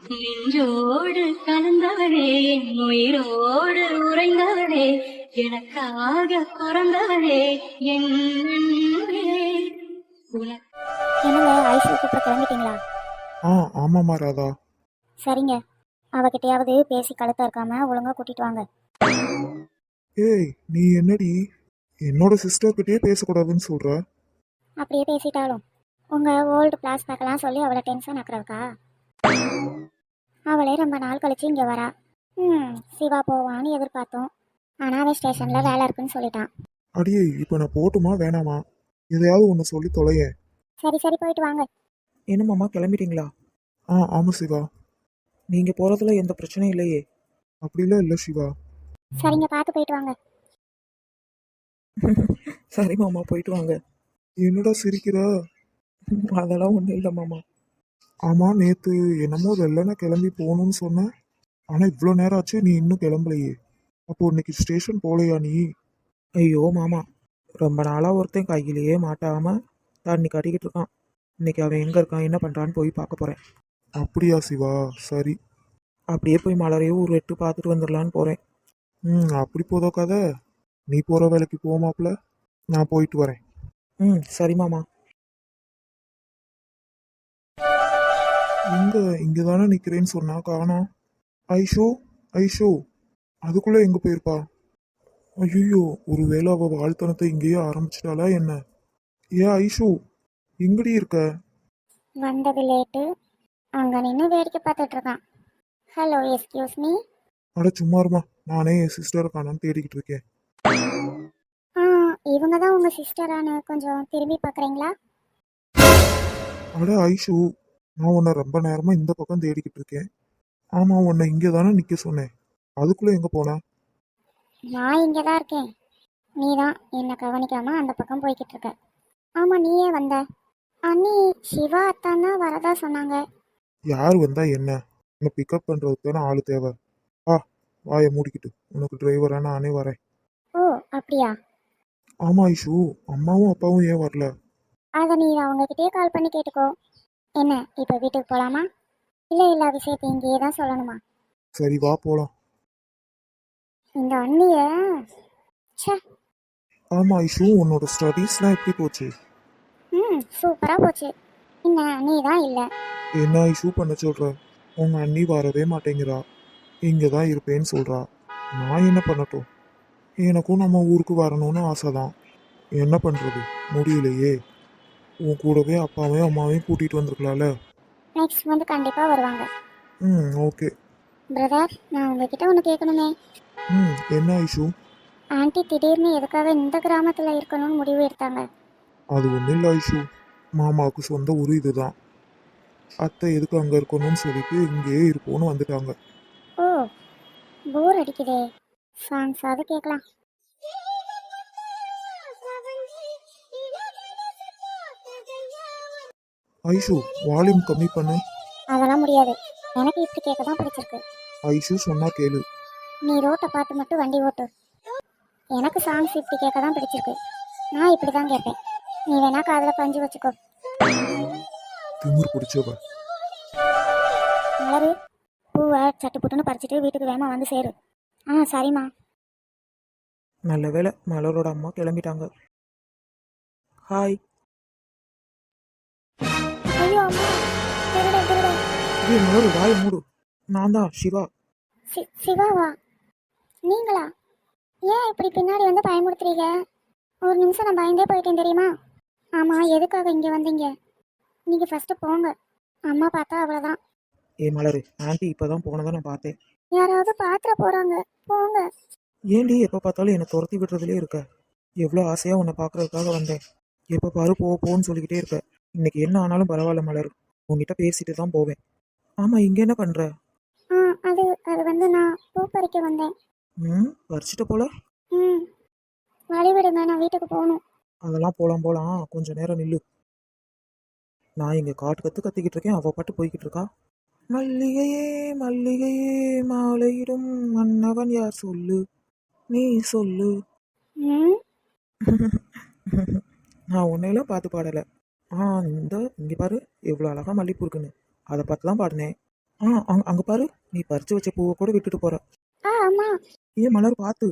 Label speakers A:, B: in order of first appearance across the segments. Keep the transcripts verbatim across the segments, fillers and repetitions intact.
A: நின்றோடு கலந்தவளே என் உயிரோடு உறைந்தவளே எனக்காக பிறந்தவளே என் அன்பே. உனக்கு
B: என்னங்க ஐஸ்வர்யா கூப்பிட கிளம்பிட்டீங்களா?
C: ஆ ஆமாம்மா ராதா.
B: சரிங்க, அவகிட்டையாவது பேசி கழுத்தா இருக்காம ஒழுங்கா கூட்டிட்டு வாங்க.
C: ஏய் நீ என்னடி என்னோட சிஸ்டர் கிட்டயே பேசக்கூடாதுன்னு சொல்ற?
B: அப்படியே பேசிட்டாலும் உங்க ஓல்டு பிளாஸ்பேக்கெல்லாம் சொல்லி அவளை டென்ஷன் ஆக்குறதுக்கா? அவளே ரொம்ப நாள் கழிச்சு இங்கே வரா. ம் சிவா போவான்னு எதிர்பார்த்தோம், ஆனால் அவன் ஸ்டேஷனில் வேலை இருக்குன்னு சொல்லிட்டான்.
C: அடியே இப்போ நான் போட்டுமா வேணாமா? எதையாவது ஒன்று சொல்லி தொலையேன்.
B: சரி சரி போயிட்டு வாங்க.
D: என்னம்மாம்மா கிளம்பிட்டீங்களா?
C: ஆ ஆமாம் சிவா.
D: நீங்கள் போகிறதுல எந்த பிரச்சனையும் இல்லையே?
C: அப்படிலாம் இல்லை சிவா.
B: சரிங்க, பார்த்து போயிட்டு வாங்க.
D: சரி மாமா, போயிட்டு வாங்க.
C: என்னடா சிரிக்கிற?
D: அதெல்லாம் ஒன்றும் இல்லை மாமா.
C: ஆமாம், நேற்று என்னமோ வெள்ளன கிளம்பி போகணும்னு சொன்னேன். ஆனால் இவ்வளோ நேரம் ஆச்சு நீ இன்னும் கிளம்பலையே. அப்போ இன்னைக்கு ஸ்டேஷன் போகலையா நீ?
D: ஐயோ மாமா, ரொம்ப நாளாக ஒருத்தன் கையிலேயே மாட்டாமல் தண்ணி கட்டிக்கிட்டு இருக்கான். இன்னைக்கு அவன் எங்கே இருக்கான் என்ன பண்ணுறான்னு போய் பார்க்க போகிறேன்.
C: அப்படியா சிவா? சரி.
D: அப்படியே போய் மலரையும் ஒரு எட்டு பார்த்துட்டு வந்துடலான்னு போகிறேன்.
C: ம் அப்படி போதோ கதை. நீ போகிற வேலைக்கு போமாப்ல, நான் போயிட்டு வரேன்.
D: ம் சரி மாமா.
C: எங்க இங்கே தானே நிற்கிறேன்னு சொன்னா காணோம். ஐஷோ ஐஷோ, அதுக்குள்ளே எங்கே போயிருப்பா? ஐயோ, ஒரு வேளை அவள் வாழ்த்தனத்தை இங்கேயே ஆரம்பிச்சிட்டாளா என்ன? ஏ ஐஷோ, எங்கடி இருக்க?
B: வந்தது லேட்டு, அங்கே நின்று வேடிக்கை பார்த்துட்டு இருக்கான். Hello, excuse me.
C: அட சும்மா இருமா, நானே என் சிஸ்டரை காணோன்னு தேடிக்கிட்டு இருக்கேன்.
B: ஆ இவங்க தான் உங்கள் சிஸ்டரானு கொஞ்சம் திரும்பி பார்க்குறீங்களா?
C: அட ஐஷு, நான் உன்னை ரொம்ப நேரமாக இந்த பக்கம் தேடிக்கிட்டு இருக்கேன். ஆமாம், உன்னை இங்கே தானே நிற்க சொன்னேன். அதுக்குள்ளே எங்கே போனேன்?
B: நான் இங்கே தான் இருக்கேன். நீ தான் என்னை கவனிக்காமல் அந்த பக்கம் போய்கிட்டு இருக்க. ஆமாம், நீயே வந்த. அண்ணி சிவா அத்தான் தான் வரதா சொன்னாங்க.
C: யார் வந்தா என்ன? உன்னை பிக்கப் பண்ணுறதுக்கு தானே ஆள் தேவை. ஆ வாயை மூடிக்கிட்டு, உனக்கு டிரைவராக நானே வரேன்.
B: ஓ அப்படியா?
C: ஆமாம் ஐஷு, அம்மாவும் அப்பாவும் ஏன் வரல?
B: அதை நீ அவங்கக்கிட்டே கால் பண்ணி கேட்டுக்கோ. என்ன இப்போ வீட்டுக்கு போகலாமா, இல்லை இல்லை விஷயத்தை இங்கேயே தான் சொல்லணுமா?
C: சரி வா போகலாம்.
B: இந்த அண்ணிய ச்சே.
C: ஆமாம் ஐஷு, உன்னோட ஸ்டடீஸ்லாம் எப்படி போச்சு?
B: ம் சூப்பராக போச்சு. என்ன நீ தான் இல்லை.
C: என்ன ஐஷு பண்ண சொல்கிற? உங்கள் அண்ணி வரவே மாட்டேங்கிறா, இங்கே தான் இருப்பேன்னு சொல்கிறா. நான் என்ன பண்ணட்டும்? எனக்கும் நம்ம ஊருக்கு வரணும்னு ஆசை தான். என்ன பண்ணுறது, முடியலையே. உன் கூடவே அப்பாவையும் அம்மாவையும் கூட்டிகிட்டு வந்திருக்கலாம்ல.
B: நெக்ஸ்ட் வந்து கண்டிப்பாக வருவாங்க.
C: ம் ஓகே.
B: பிரதர், நான் உங்ககிட்ட ஒன்று கேட்கணுமே.
C: ம் என்ன ஐஷு?
B: ஆன்ட்டி திடீர்னு எதுக்காக இந்த கிராமத்தில் இருக்கணும்னு முடிவு எடுத்தாங்க?
C: அது ஒன்றும் இல்லை ஐஷு, மாமாவுக்கு சொந்த ஊர் இதுதான். அத்தை எதுக்கு அங்கே இருக்கணும்னு சொல்லிட்டு இங்கேயே இருப்போன்னு வந்துட்டாங்க.
B: ஓ போர் அடிக்குதே, சாங்ஸ் அது கேட்கலாம்.
C: ஐஷு வால்யூம் கம்மி பண்ணு.
B: அதெல்லாம் முடியாது, எனக்கு இப்படி கேட்க தான் பிடிச்சிருக்கு.
C: ஐஷு சொன்னா கேளு.
B: நீ ரோட்டை பார்த்து மட்டும் வண்டி ஓட்டு. எனக்கு சாங்ஸ் இப்படி கேட்க தான் பிடிச்சிருக்கு. நான் இப்படி தான் கேட்பேன். நீ வேணா காதில் பஞ்சு வச்சுக்கோ.
C: திமிர் பிடிச்சவ.
B: மலரு, பூவை சட்டு புட்டுன்னு பறிச்சுட்டு வீட்டுக்கு வேகமாக வந்து சேரு. ஆ சரிம்மா.
D: நல்ல வேளை மலரோட அம்மா கிளம்பிட்டாங்க. ஹாய்.
B: ஐயோ அம்மா, திருடன் திருடன்.
D: ஏ மலரு, வாயை மூடு. நான் தான் சிவா.
B: சி சிவாவா? நீங்களா? ஏன் இப்படி பின்னாடி வந்து பயமுறுத்துறீங்க? ஒரு நிமிஷம் நான் பயந்தே போயிட்டேன் தெரியுமா? ஆமாம், எதுக்காக இங்கே வந்தீங்க? நீங்கள் ஃபஸ்ட்டு போங்க, அம்மா பார்த்தா அவ்வளோதான்.
D: ஏ மலரு, ஆண்டி இப்போ தான் போனதை நான் பார்த்தேன்.
B: யாராவது பாத்திர போகிறாங்க, போங்க.
D: ஏண்டி எப்போ பார்த்தாலும் என்னை துரத்தி விடுறதுலே இருக்க? எவ்வளோ ஆசையாக உன்னை பார்க்கறதுக்காக வந்தேன். எப்போ பாரு போ போன்னு சொல்லிக்கிட்டே இருக்க. இன்னைக்கு என்ன ஆனாலும் பரவாயில்ல மலர், உங்ககிட்ட பேசிட்டு தான் போவேன். ஆமாம், இங்கே என்ன பண்ணுற?
B: ஆ அது அது வந்து நான் பூ பறிக்க வந்தேன்.
D: ம் பறிச்சிட்ட போல.
B: ம் வழி விடுங்க, நான் வீட்டுக்கு போகணும்.
D: அதெல்லாம் போகலாம் போகலாம், கொஞ்சம் நேரம் நில்லு. நான் இங்கே காட்டு கற்று கத்திக்கிட்டு இருக்கேன், அவள் பாட்டு போய்கிட்டு இருக்கா. மல்லிகையே மல்லிகையே மாலையிடும் மன்னவன் யார் சொல்லு, நீ சொல்லு.
B: ம்
D: நான் உன்னையெல்லாம் பார்த்து பாடலை. ஆ இந்த இங்கே பாரு எவ்வளோ அழகாக மல்லிப்பூ இருக்குன்னு, அதை பார்த்து தான் பாடினேன். ஆ அங்க அங்க பாரு, நீ பறிச்சு வச்ச பூவை கூட விட்டுட்டு போற.
B: ஆ அம்மா.
D: ஏன் மலர் பார்த்து.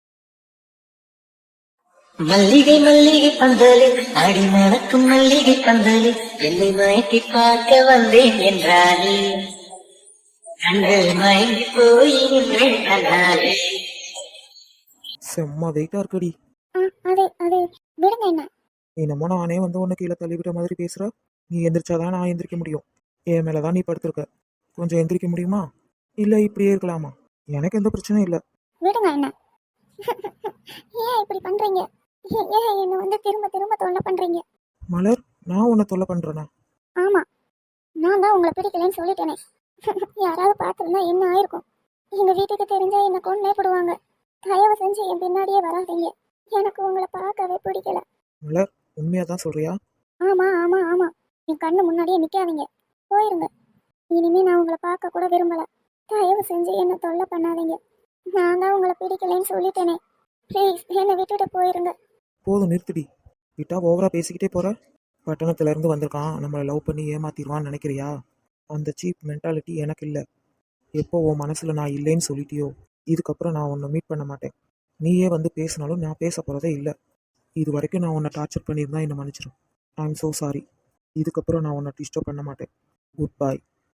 E: மல்லிகை மல்லிகை பந்தலில் அடி மணக்கும் மல்லிகை பந்தலில் என்னை மயக்கி பார்க்க வந்தேன் என்றாலே கண்கள் மயங்கி போய் நின்றேன் கண்ணாலே.
D: செம்ம வெயிட்டா இருக்குடி.
B: ஆ அது அது விடுங்க என்ன.
D: என்னமோ நானே வந்து உன்னை கீழே தள்ளிவிட்ட மாதிரி பேசுற. நீ எந்திரிச்சாதான் நான் எந்திரிக்க முடியும். என் மேலதான் நீ படுத்திருக்க. கொஞ்சம் எந்திரிக்க முடியுமா? இல்ல இப்படியே இருக்கலாமா? எனக்கு எந்த பிரச்சனையும் இல்லை.
B: விடுங்க என்ன. ஏன் இப்படி பண்றீங்க? ஏன் ஏன் என்ன வந்து திரும்ப திரும்ப தொல்லை பண்றீங்க?
D: மலர், நான் உன்னை தொல்லை பண்றேனா?
B: ஆமா, நான் தான் உங்களை பிடிக்கலன்னு சொல்லிட்டேனே. யாராவது பார்த்துருந்தா என்ன ஆயிருக்கும்? எங்க வீட்டுக்கு தெரிஞ்சா என்ன கொன்னே போடுவாங்க. தயவு செஞ்சு என் பின்னாடியே வராதீங்க. எனக்கு உங்களை பார்க்கவே பிடிக்கல.
D: மலர், உண்மையா தான் சொல்றியா?
B: ஆமா ஆமா ஆமா, என் கண்ணு முன்னாடியே நிக்காதீங்க. போயிருங்க. இனிமே நான் உங்களை பார்க்க கூட விரும்பல. தயவு செஞ்சு என்ன தொல்லை பண்ணாதீங்க. நான் தான் உங்களை பிடிக்கலன்னு சொல்லிட்டேனே. ப்ளீஸ் என்னை விட்டுட்டு போயிருங்க.
D: போதும் நிறுத்திடி. விட்டா ஓவரா பேசிக்கிட்டே போற. பட்டணத்துல இருந்து வந்திருக்கான், நம்மளை லவ் பண்ணி ஏமாத்திடுவான்னு நினைக்கிறியா? அந்த சீப் மென்டாலிட்டி எனக்கு இல்லை. எப்போ உன் மனசுல நான் இல்லைன்னு சொல்லிட்டியோ, இதுக்கப்புறம் நான் உன்னை மீட் பண்ண மாட்டேன். நீயே வந்து பேசினாலும் நான் பேச போறதே இல்லை. இது வரைக்கும் நான் உன்னை டார்ச்சர் பண்ணியிருந்தா என்னை மன்னிச்சிடும். I am so sorry. இதுக்கப்புறம் நான் உன்னை டிஸ்டர்ப் பண்ண மாட்டேன். Good bye.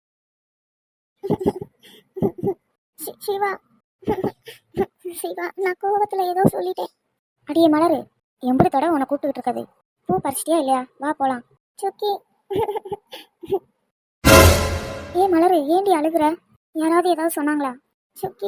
B: சி- சிவா. சிவா, நான் கோவத்துல ஏதோ சொல்லிட்டேன். அடியே மலரு, எம்பது தடவை உன்னை கூப்பிட்டுக்கிட்டு இருக்கது. பூ பறிச்சிட்டியா இல்லையா? வா போலாம். சுக்கி. ஏ மலரு, ஏண்டி அழுகுற? யாராவது ஏதாவது சொன்னாங்களா? சுக்கி.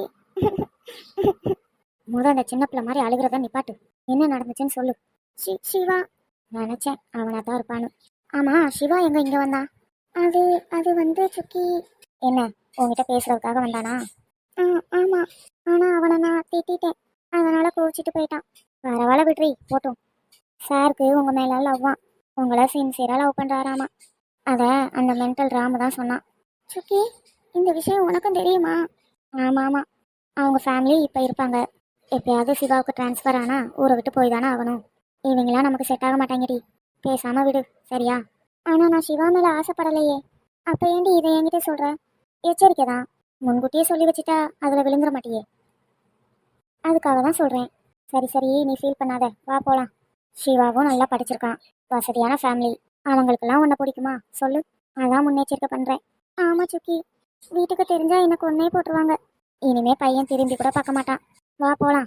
B: முத அந்த சின்ன பிள்ளை மாதிரி அழுகுறத நிப்பாட்டு. என்ன நடந்துச்சுன்னு சொல்லு. சி- சிவா. நினைச்சேன் அவனா தான் இருப்பான்னு. ஆமா, சிவா எங்க இங்க வந்தா? அது அது வந்து சுக்கி. என்ன, உன்கிட்ட பேசுறதுக்காக வந்தானா? ஆ ஆமா, ஆனா அவனை நான் திட்டிட்டேன். அதனால கோச்சிட்டு போயிட்டான். பரவாயில்ல விட்ரி, போட்டும். சாருக்கு உங்க மேல லவ்வான். உங்களை சின்சியரா லவ் பண்றாராமா. அத அந்த மென்டல் ராமு தான் சொன்னான். சுக்கி, இந்த விஷயம் உனக்கும் தெரியுமா? ஆமா ஆமா, அவங்க ஃபேமிலி இப்ப இருப்பாங்க. எப்பயாவது சிவாவுக்கு டிரான்ஸ்ஃபர் ஆனா ஊரை விட்டு போய் தானே ஆகணும். இவங்களாம் நமக்கு செட் ஆக மாட்டாங்கடி. பேசாம விடு, சரியா? ஆனா நான் சிவா மேல ஆசைப்படலையே. அப்ப ஏண்டி இதை என்கிட்ட சொல்ற? எச்சரிக்கை தான். முன்கூட்டியே சொல்லி வச்சுட்டா அதுல விழுந்துட மாட்டியே. அதுக்காக தான் சொல்றேன். சரி சரி, நீ ஃபீல் பண்ணாத, வா போலாம். சிவாவும் நல்லா படிச்சிருக்கான், வசதியான ஃபேமிலி. அவங்களுக்கெல்லாம் உன்னை பிடிக்குமா சொல்லு? அதான் முன்னெச்சரிக்கை பண்றேன். ஆமா சுக்கி, வீட்டுக்கு தெரிஞ்சா எனக்கு ஒன்னே போட்டுருவாங்க. இனிமே பையன் திரும்பி கூட பார்க்க மாட்டான். வா போலாம்.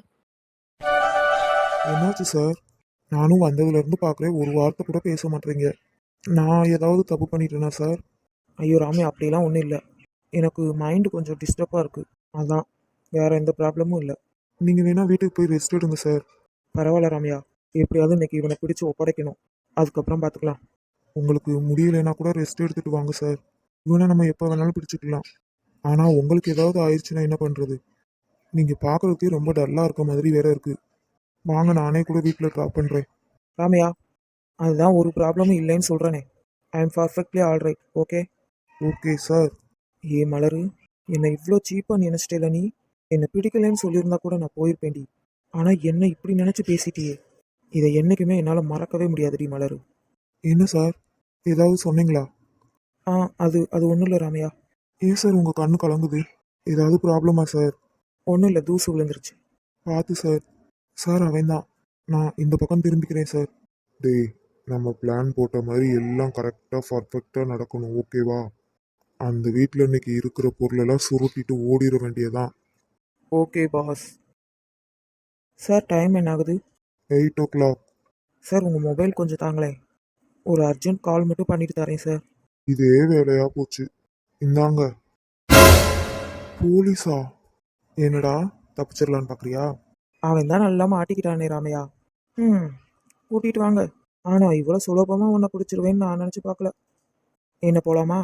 C: என்னாச்சு சார்? நானும் வந்ததுல இருந்து பார்க்குறேன், ஒரு வார்த்தை கூட பேச மாட்டேறீங்க. நான் ஏதாவது தப்பு பண்ணிட்டேனா சார்?
D: ஐயோ ராமே, அப்படிலாம் ஒன்றும் இல்லை. எனக்கு மைண்டு கொஞ்சம் டிஸ்டர்பாக இருக்குது, அதான். வேற எந்த ப்ராப்ளமும் இல்லை.
C: நீங்க வேணா வீட்டுக்கு போய் ரெஸ்ட் எடுங்க சார்.
D: பரவாயில்ல ராமையா, எப்படியாவது இன்னைக்கு இவனை பிடிச்சு ஒப்படைக்கணும். அதுக்கப்புறம் பார்த்துக்கலாம்.
C: உங்களுக்கு முடியலைன்னா கூட ரெஸ்ட் எடுத்துட்டு வாங்க சார். இவனை நம்ம எப்போ வேணாலும் பிடிச்சிக்கலாம். ஆனால் உங்களுக்கு ஏதாவது ஆயிடுச்சுன்னா என்ன பண்ணுறது? நீங்கள் பார்க்குறதுக்கே ரொம்ப டல்லாக இருக்க மாதிரி வேற இருக்கு. வாங்க, நானே கூட வீட்டில் ட்ராப் பண்ணுறேன்.
D: ராமையா, அதுதான் ஒரு ப்ராப்ளமும் இல்லைன்னு சொல்கிறேனே. I am perfectly all right. Okay
C: okay sir.
D: ஏ மலரு, என்னை இவ்வளோ சீப்பாக நினச்சிட்டேல நீ? என்னை பிடிக்கலைன்னு சொல்லியிருந்தா கூட நான் போயிருப்பேன்டி. ஆனால் என்ன இப்படி நினச்சி பேசிட்டியே, இதை என்றைக்குமே என்னால் மறக்கவே முடியாதுடி மலரு.
C: என்ன சார், ஏதாவது சொன்னீங்களா?
D: ஆ அது அது ஒன்றும் இல்லை ராமையா.
C: ஏன் சார் உங்கள் கண்ணு கலங்குது? ஏதாவது ப்ராப்ளமா சார்?
D: ஒன்றும் இல்லை, தூசு விழுந்துருச்சு.
C: பார்த்து சார். சார் அவன் தான். நான் இந்த பக்கம் திரும்பிக்கிறேன் சார். டேய், நம்ம பிளான் போட்ட மாதிரி எல்லாம் கரெக்டாக பர்ஃபெக்டாக நடக்கணும், ஓகேவா? அந்த வீட்டில் இன்னைக்கு இருக்கிற பொருளெல்லாம் சுருட்டிட்டு ஓடிட வேண்டியதான்.
D: Okay pass. சார் டைம் என்ன ஆகுது?
C: Eight o'clock.
D: சார் உங்கள் மொபைல் கொஞ்சம் தாங்களேன். ஒரு அர்ஜென்ட் கால் மட்டும் பண்ணிட்டு தரேன் சார்.
C: இதே வேலையா போச்சு. இந்தாங்க. போலீஸா? என்னடா, தப்பிச்சிடலான்னு பார்க்குறியா?
D: அவன் தான் நல்லா மாட்டிக்கிட்டானே ராமையா. ம் கூட்டிகிட்டு வாங்க. ஆனால் இவ்வளோ சுலபமாக உன்னை பிடிச்சிருவேன்னு நான் நினச்சி பார்க்கல. என்ன போகலாமா?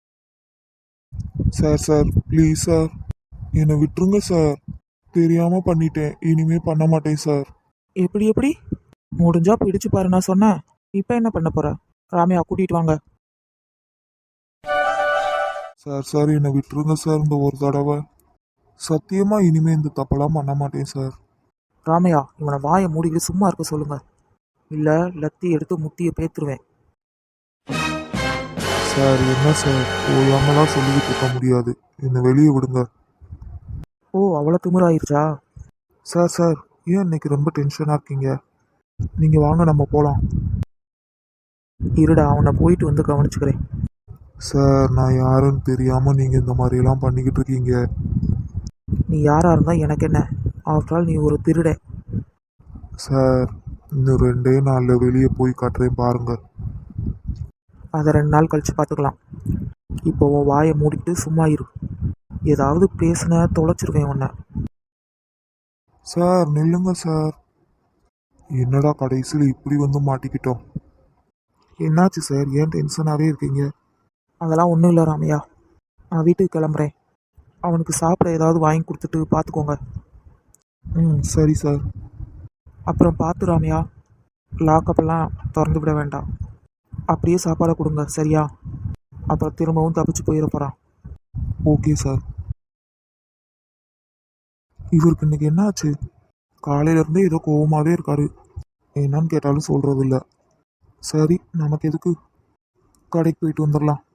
C: சார் சார் ப்ளீஸ் சார், என்னை விட்டுருங்க சார். தெரியாமல் பண்ணிட்டேன், இனிமே பண்ண மாட்டேன் சார்.
D: எப்படி எப்படி முடிஞ்சா பிடிச்சு பாரு நான் சொன்னேன். இப்போ என்ன பண்ண போற? ராமையா கூட்டிகிட்டு வாங்க.
C: சார் சார் என்னை விட்டுருங்க சார், இந்த ஒரு தடவை. சத்தியமா இனிமே இந்த தப்பெல்லாம் பண்ண மாட்டேன் சார்.
D: ராமையா, இவனை வாயை மூடிக்கிட்டு சும்மா இருக்க சொல்லுங்க, இல்லை லத்தி எடுத்து முட்டியை பேத்துருவேன்.
C: சார் என்ன சார் ஓயாமலாம் சொல்லிக்கிட்டு இருக்க முடியாது, என்னை வெளியே விடுங்க.
D: ஓ அவ்வளோ திமிராயிருச்சா?
C: சார் சார் ஏன் இன்னைக்கு ரொம்ப டென்ஷனாக இருக்கீங்க? நீங்கள் வாங்க நம்ம போகலாம்.
D: இருடா அவனை போயிட்டு வந்து கவனிச்சுக்கிறேன்.
C: சார் நான் யாருன்னு தெரியாமல் நீங்கள் இந்த மாதிரியெல்லாம் பண்ணிக்கிட்டு இருக்கீங்க.
D: நீ யாரா இருந்தா எனக்கு என்ன? ஆஃப்டர் ஆல் நீ ஒரு திருட.
C: சார் இன்னும் ரெண்டே நாளில் வெளியே போய் காட்டுறேன் பாருங்க.
D: அதை ரெண்டு நாள் கழிச்சு பார்த்துக்கலாம். இப்போ உன் வாயை மூடிட்டு சும்மா இரு. ஏதாவது பேசுன தொலைச்சிருவேன் உன்னை.
C: சார் நில்லுங்க சார். என்னடா கடைசியில் இப்படி வந்து மாட்டிக்கிட்டோம். என்னாச்சு சார், ஏன் டென்ஷனாகவே இருக்கீங்க?
D: அதெல்லாம் ஒன்றும் இல்லை ராமையா. நான் வீட்டுக்கு கிளம்புறேன். அவனுக்கு சாப்பிட ஏதாவது வாங்கி கொடுத்துட்டு பார்த்துக்கோங்க.
C: ம் சரி சார்.
D: அப்புறம் பார்த்து ராமையா, லாக்கப்பெல்லாம் திறந்து விட வேண்டாம். அப்படியே சாப்பாடை கொடுங்க சரியா? அப்புறம் திரும்பவும் தப்பிச்சு போயிட போகிறான்.
C: Okay sir. இவருக்கு இன்னைக்கு என்னாச்சு? காலையிலேருந்தே ஏதோ கோவமாகவே இருக்காரு. என்னன்னு கேட்டாலும் சொல்கிறது இல்லை. சரி நமக்கு எதுக்கு, கடைக்கு போயிட்டு வந்துடலாம்.